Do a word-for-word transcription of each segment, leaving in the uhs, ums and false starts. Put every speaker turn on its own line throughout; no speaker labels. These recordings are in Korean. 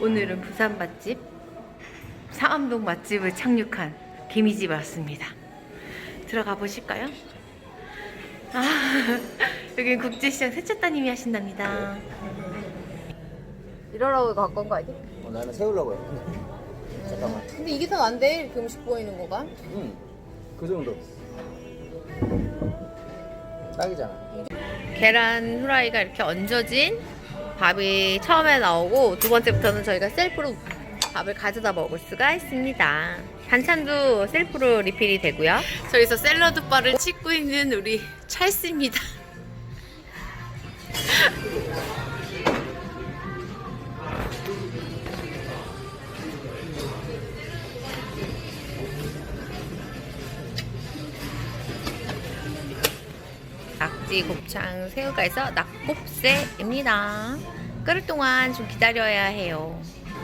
오늘은 부산 맛집 상암동 맛집을 착륙한 개미집에 왔습니다. 들어가 보실까요? 아, 여기 국제시장 셋째 따님이 하신답니다. 이러라고 갖고 온 거 아니지?
어, 나는 세우려고 했는데. 잠깐만.
근데 이게 더 난데 이렇게 음식 보이는 거가?
응. 그 정도. 딱이잖아.
계란 후라이가 이렇게 얹어진 밥이 처음에 나오고 두 번째부터는 저희가 셀프로 밥을 가져다 먹을 수가 있습니다. 반찬도 셀프로 리필이 되고요. 저기서 샐러드 바를 찍고 있는 우리 찰스입니다. 낙지, 곱창, 새우가 있어 낙곱새입니다. 끓을 동안 좀 기다려야 해요.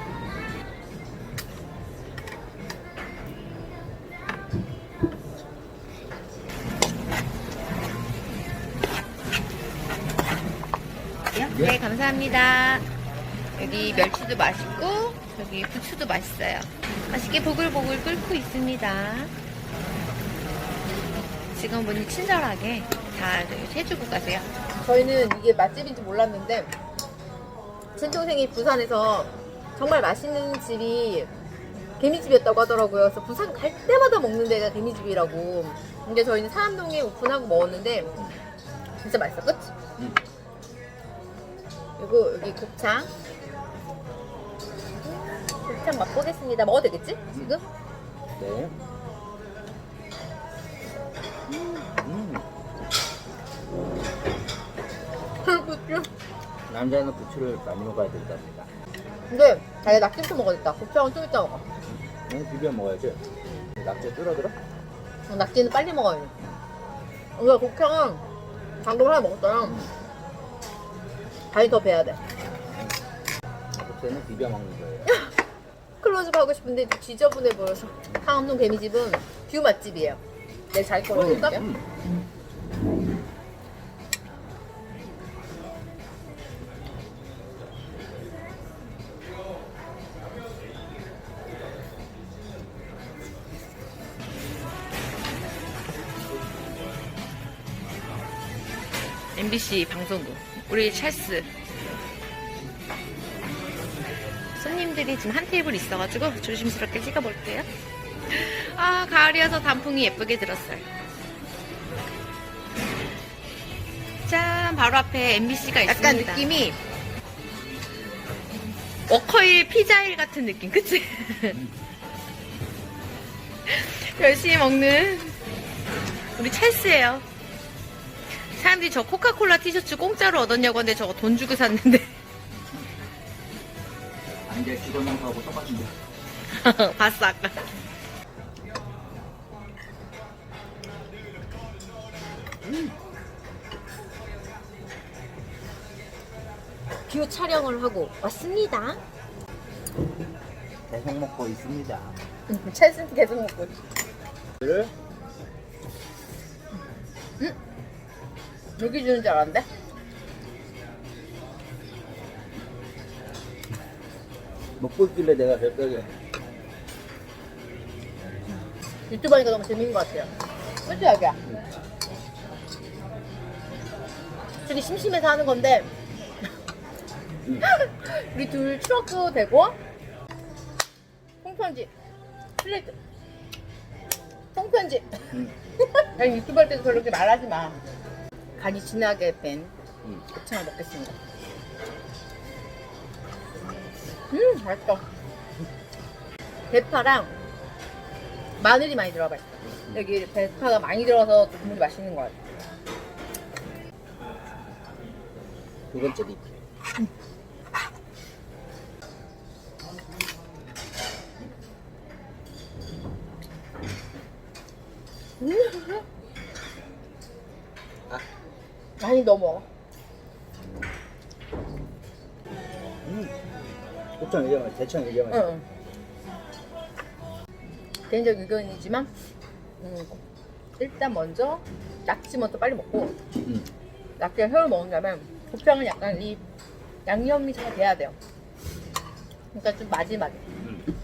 네, 감사합니다. 여기 멸치도 맛있고 여기 부추도 맛있어요. 맛있게 보글보글 끓고 있습니다. 직원분이 친절하게 다 해주고 가세요. 저희는 이게 맛집인지 몰랐는데 친동생이 부산에서 정말 맛있는 집이 개미집이었다고 하더라고요. 그래서 부산 갈 때마다 먹는 데가 개미집이라고. 근데 저희는 상암동에 오픈하고 먹었는데 진짜 맛있어, 그치?
응.
그리고 여기 곱창 곱창 맛보겠습니다. 먹어도 되겠지? 지금?
네. 음.
부추.
남자는 부추를 많이 먹어야 된답니다.
근데 자기 낙지부터 먹어야겠다. 곱창은 좀 이따 먹어.
응, 비벼 먹어야지. 낙지 뚫어들어?
어, 낙지는 빨리 먹어야 돼. 우리가 곱창은 방금 하나 먹었잖아. 다리 더 배야 돼.
낙지는 비벼 먹는 거예요.
클로즈업 하고 싶은데 좀 지저분해 보여서. 상암동 개미집은 뷰 맛집이에요. 내 자기 거로 해줄까?
음.
엠비씨 방송국 우리 찰스 손님들이 지금 한 테이블 있어가지고 조심스럽게 찍어볼게요. 아, 가을이어서 단풍이 예쁘게 들었어요. 짠, 바로 앞에 엠비씨가 있습니다. 약간 느낌이 워커힐 피자일 같은 느낌, 그치? 열심히 먹는 우리 찰스예요. 사람들이 저 코카콜라 티셔츠 공짜로 얻었냐고 하는데 저거 돈 주고 샀는데.
아, 이제 직원하고 똑같은데.
봤어, 아까. 음. 뷰 촬영을 하고 왔습니다.
계속 먹고 있습니다.
찰스는 계속 먹고 있어.
를
여기 주는 줄 알았는데?
먹고 있길래 내가 별벽에
유튜브 하니까 너무 재밌는 것 같아요. 그치, 자기야? 둘이 심심해서 하는 건데
응.
우리 둘 추억도 되고 통편집 플레이트 통편집
응.
아니 유튜브 할 때도 그렇게 말하지 마. 간이 진하게 뺀
응.
곱창을 먹겠습니다. 음, 맛있다. 대파랑 마늘이 많이 들어가 있어. 여기 대파가 많이 들어가서 국물이 맛있는 것 같아.
두 번째 리필.
음.
아.
많이 넣어 먹어.
음. 곱창 이게 맛, 대창 이게 맛.
응. 개인적 의견이지만 음, 일단 먼저 낙지 먼저 빨리 먹고
음.
낙지랑 회를 먹은 다음에 곱창은 약간 이 양념이 잘 돼야 돼요. 그러니까 좀 마지막에.
음.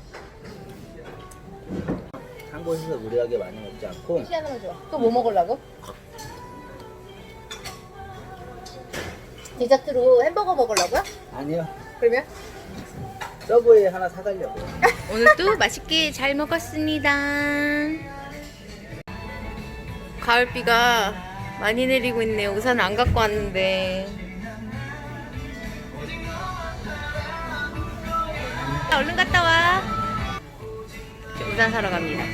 한 곳에서 무리하게 많이 먹지 않고
혹시 하나만 줘. 또 뭐 먹으려고? 디저트로 햄버거 먹으려고요?
아니요.
그러면?
서브웨이 하나 사가려고요.
오늘도 맛있게 잘 먹었습니다. 가을비가 많이 내리고 있네요. 우산 안 갖고 왔는데. 얼른 갔다 와. 저 우산 사러 갑니다.